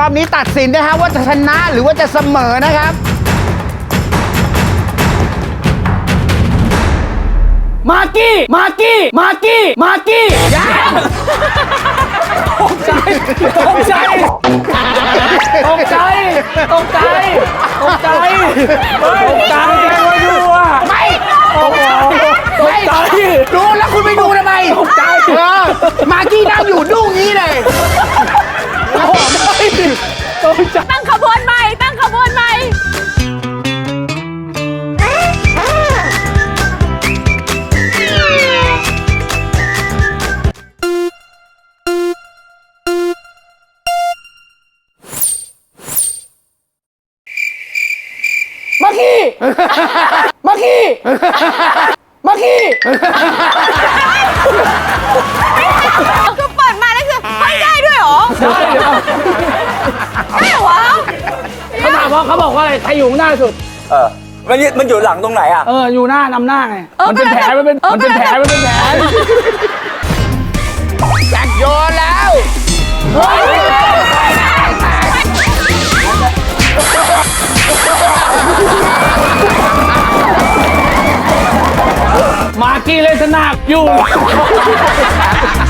อบนี้ตัดสินนะฮะว่าจะชนะหรือว่าจะเสมอนะครับมากี้ยังตกใจดูอ่ะไม่โอ้โหตกใจดูแล้วคุณไปดูทำไมตกใจมากี้นั่งอยู่ดุ้งนี้เลยตั้งขบวนใหม่มากี้คือเปิดมาแล้วคือให้ได้ด้วยเหรอได้เหรอเขาถามว่าเขาบอกว่าอะไรใครอยู่หน้าสุดมันอยู่หลังตรงไหนอ่ะอยู่หน้านำหน้าไงมันเป็นแผลแจ็คโยนแล้วมากี้เล่นสนากอยู่